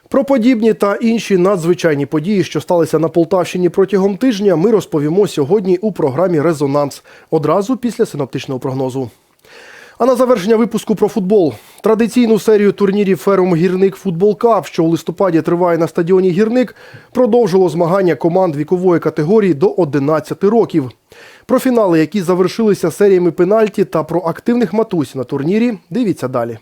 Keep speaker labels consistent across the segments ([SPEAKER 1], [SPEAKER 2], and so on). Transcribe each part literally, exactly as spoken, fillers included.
[SPEAKER 1] Про подібні та інші надзвичайні події, що сталися на Полтавщині протягом тижня, ми розповімо сьогодні у програмі «Резонанс» одразу після синоптичного прогнозу. А на завершення випуску про футбол. Традиційну серію турнірів «Ферум Гірник Футбол Кап», що у листопаді триває на стадіоні «Гірник», продовжило змагання команд вікової категорії до одинадцяти років. Про фінали, які завершилися серіями пенальті, та про активних матусь на турнірі дивіться далі.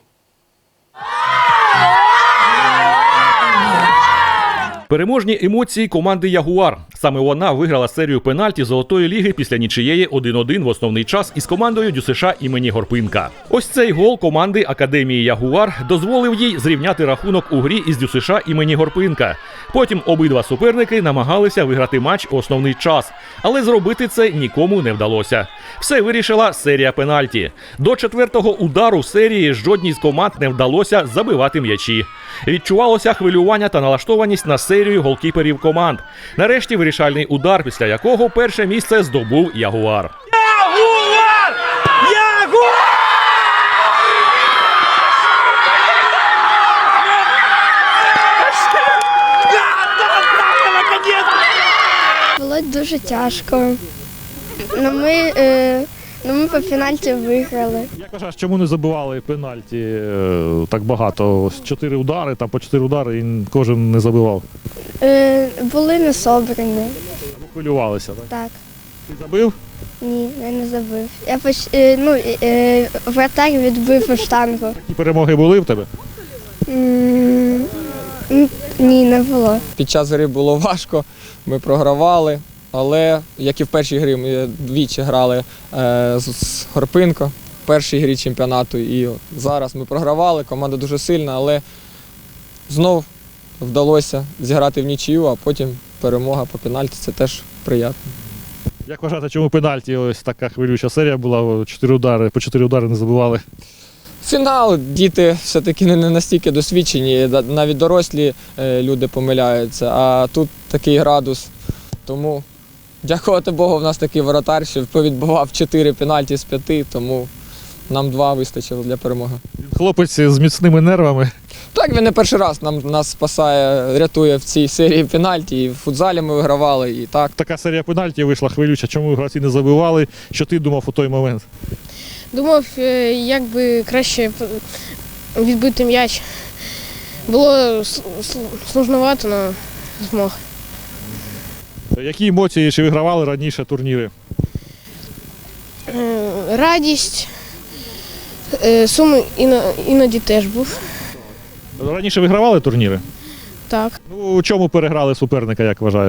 [SPEAKER 2] Переможні емоції команди «Ягуар». Саме вона виграла серію пенальті Золотої ліги після нічиєї один-один в основний час із командою ДЮСШ імені Горпинка. Ось цей гол команди Академії «Ягуар» дозволив їй зрівняти рахунок у грі із ДЮСШ імені Горпинка. Потім обидва суперники намагалися виграти матч у основний час, але зробити це нікому не вдалося. Все вирішила серія пенальті. До четвертого удару серії жодній з команд не вдалося забивати м'ячі. Відчувалося хвилювання та налаштованість на серію голкіперів команд. Нарешті вирішальний удар, після якого перше місце здобув «Ягуар».
[SPEAKER 3] Ягуар! Ягуар!
[SPEAKER 4] Було дуже тяжко. Ну, ми, е, ну, ми по пенальті виграли.
[SPEAKER 5] Як вважаєш, чому не забивали пенальті е, так багато? Ось чотири удари, там по чотири удари і кожен не забивав.
[SPEAKER 4] Е, були не собрані.
[SPEAKER 5] Або хвилювалися, так?
[SPEAKER 4] Так.
[SPEAKER 5] Ти забив?
[SPEAKER 4] Ні, я не забив. Я поч... е, ну, е, вратар відбив штангу.
[SPEAKER 5] Такі перемоги були в тебе?
[SPEAKER 4] М, Ні, не було.
[SPEAKER 6] Під час гри було важко, ми програвали, але, як і в першій грі, ми двічі грали е, з Горпинко в першій грі чемпіонату. І зараз ми програвали, команда дуже сильна, але знов вдалося зіграти в нічию, а потім перемога по пенальті – це теж приємно.
[SPEAKER 5] Як вважаєте, чому пенальті ось така хвилююча серія була, чотири удари, по чотири удари не забивали?
[SPEAKER 6] Фінал, діти все-таки не настільки досвідчені, навіть дорослі люди помиляються, а тут такий градус. Тому, дякувати Богу, в нас такий воротар, що повідбивав чотири пенальті з п'яти, тому нам два вистачило для перемоги.
[SPEAKER 5] Хлопець з міцними нервами.
[SPEAKER 6] Так, він не перший раз нам, нас спасає, рятує в цій серії пенальті, і в футзалі ми вигравали, і так.
[SPEAKER 5] Така серія пенальті вийшла хвилюча, чому гравці не забивали? Що ти думав у той момент?
[SPEAKER 7] Думав, як би краще відбити м'яч. Було сложновато, але змог.
[SPEAKER 5] Які емоції, чи вигравали раніше турніри?
[SPEAKER 7] Радість, сум іноді теж був.
[SPEAKER 5] Раніше вигравали турніри?
[SPEAKER 7] Так.
[SPEAKER 5] Ну, у чому переграли суперника, як вважаєш?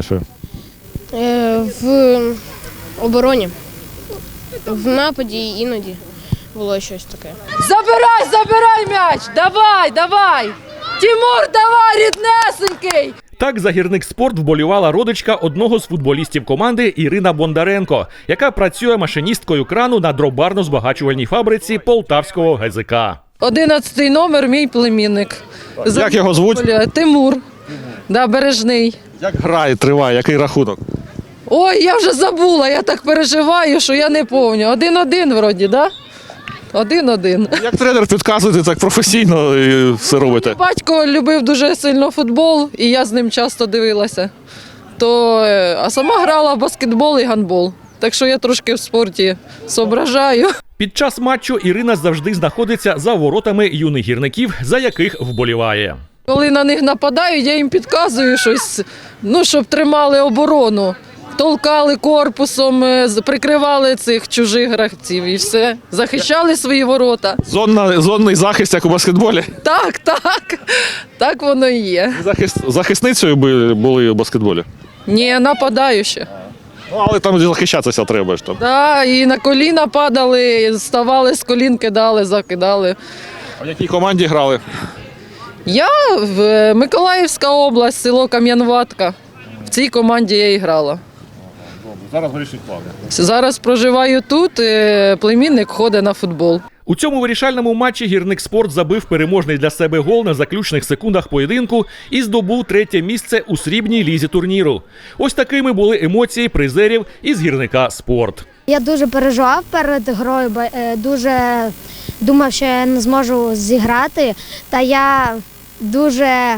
[SPEAKER 7] В обороні, в нападі іноді було щось таке.
[SPEAKER 8] Забирай, забирай м'яч! Давай, давай! Тимур, давай, ріднесенький!
[SPEAKER 2] Так за «Гірник Спорт» вболівала родичка одного з футболістів команди Ірина Бондаренко, яка працює машиністкою крану на дробарно-збагачувальній фабриці Полтавського ге зе ка.
[SPEAKER 8] Одинадцятий номер, мій племінник.
[SPEAKER 5] Як його звуть?
[SPEAKER 8] Тимур. Да, Бережний.
[SPEAKER 5] Як грає, триває, який рахунок?
[SPEAKER 8] Ой, я вже забула, я так переживаю, що я не пам'ятаю. Один-один вроді, да? Один-один.
[SPEAKER 5] Як тренер підказуєте, так професійно і все робите?
[SPEAKER 8] Батько любив дуже сильно футбол, і я з ним часто дивилася. То, а сама грала в баскетбол і гандбол. Так що я трошки в спорті соображаю.
[SPEAKER 2] Під час матчу Ірина завжди знаходиться за воротами юних гірників, за яких вболіває.
[SPEAKER 8] Коли на них нападають, я їм підказую щось, ну, щоб тримали оборону. Толкали корпусом, прикривали цих чужих гравців і все. Захищали свої ворота.
[SPEAKER 5] Зонна, зонний захист, як у баскетболі?
[SPEAKER 8] Так, так. Так воно і є.
[SPEAKER 5] Захист, захисницею би були у баскетболі?
[SPEAKER 8] Ні, нападаю ще.
[SPEAKER 5] Ну, але там захищатися треба ж там.
[SPEAKER 8] Так, і на коліна падали, ставали з колін, кидали, закидали.
[SPEAKER 5] А в якій команді грали?
[SPEAKER 8] Я в Миколаївська область, село Кам'янватка. В цій команді я і грала.
[SPEAKER 5] Зараз вирішить плани.
[SPEAKER 8] Зараз проживаю тут, племінник ходить на футбол.
[SPEAKER 2] У цьому вирішальному матчі «Гірник Спорт» забив переможний для себе гол на заключних секундах поєдинку і здобув третє місце у срібній лізі турніру. Ось такими були емоції призерів із «Гірника Спорт».
[SPEAKER 9] Я дуже переживав перед грою, дуже думав, що я не зможу зіграти. Та я дуже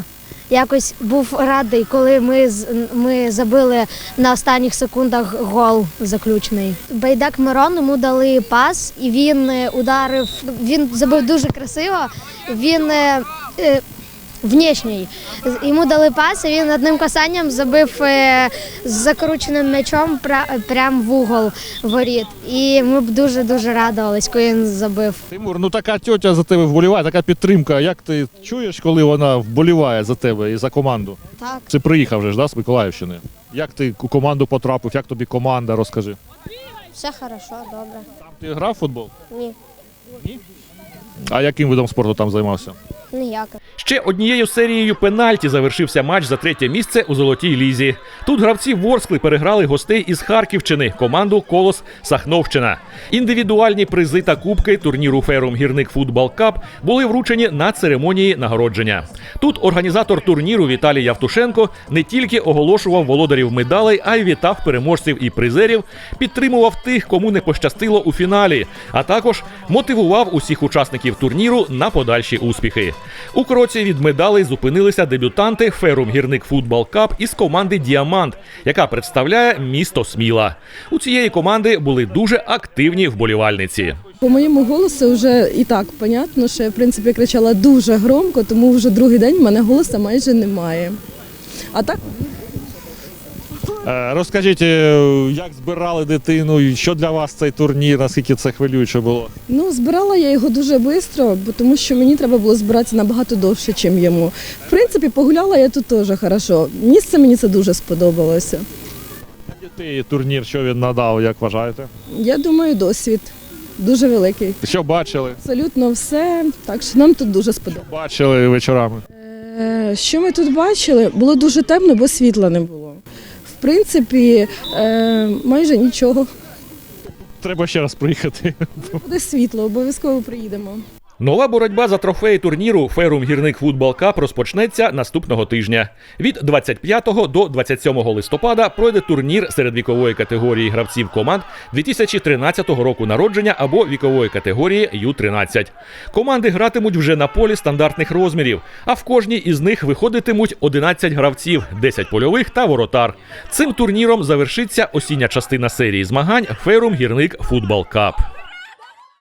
[SPEAKER 9] якось був радий, коли ми, з- ми забили на останніх секундах гол заключний. Байдак Мирон, йому дали пас, і він е, ударив, він забив дуже красиво, він е, е, внешній. З- Йому дали пас, і він одним касанням забив е, з закрученим м'ячом пра- прямо в угол воріт. І ми б дуже-дуже радувались, коли він забив.
[SPEAKER 5] Тимур, ну така тьотя за тебе вболіває, така підтримка. Як ти чуєш, коли вона вболіває за тебе і за команду?
[SPEAKER 4] Так.
[SPEAKER 5] Ти приїхав вже ж, да, з Миколаївщини? Як ти у команду потрапив, як тобі команда, розкажи.
[SPEAKER 4] Все хорошо, добре.
[SPEAKER 5] Там ти грав в футбол?
[SPEAKER 4] Ні,
[SPEAKER 5] А яким видом спорту там займався?
[SPEAKER 4] ніяко.
[SPEAKER 2] Ще однією серією пенальті завершився матч за третє місце у Золотій лізі. Тут гравці Ворскли переграли гостей із Харківщини, команду «Колос Сахновщина». Індивідуальні призи та кубки турніру «Ферум Гірник Футбол Кап» були вручені на церемонії нагородження. Тут організатор турніру Віталій Явтушенко не тільки оголошував володарів медалей, а й вітав переможців і призерів, підтримував тих, кому не пощастило у фіналі, а також мотивував усіх учасників турніру на подальші успіхи. У кроці від медалей зупинилися дебютанти «Ферум Гірник Футбол Кап» із команди «Діамант», яка представляє місто Сміла. У цієї команди були дуже активні вболівальниці.
[SPEAKER 10] По моєму голосу вже і так понятно, що я в принципі кричала дуже громко, тому вже другий день в мене голосу майже немає. А так
[SPEAKER 5] Е, розкажіть, е, як збирали дитину, і що для вас цей турнір, наскільки це хвилююче було?
[SPEAKER 10] ну збирала я його дуже швидко, бо тому що мені треба було збиратися набагато довше, ніж йому. В принципі, погуляла я тут теж хорошо. Місце мені це дуже сподобалося.
[SPEAKER 5] Для дітей турнір, що він надав, як вважаєте?
[SPEAKER 10] Я думаю, досвід дуже великий.
[SPEAKER 5] Що бачили?
[SPEAKER 10] Абсолютно все. Так що нам тут дуже сподобалося.
[SPEAKER 5] Бачили вечорами?
[SPEAKER 10] Е, Що ми тут бачили? Було дуже темно, бо світла не було. В принципі, е, майже нічого.
[SPEAKER 5] Треба ще раз приїхати.
[SPEAKER 10] Буде світло, обов'язково приїдемо.
[SPEAKER 2] Нова боротьба за трофеї турніру «Ферум Гірник Футбол Кап» розпочнеться наступного тижня. Від двадцять п'ятого до двадцять сьомого листопада пройде турнір серед вікової категорії гравців команд дві тисячі тринадцятого року народження або вікової категорії ю тринадцять. Команди гратимуть вже на полі стандартних розмірів, а в кожній із них виходитимуть одинадцять гравців, десять польових та воротар. Цим турніром завершиться осіння частина серії змагань «Ферум Гірник Футбол Кап».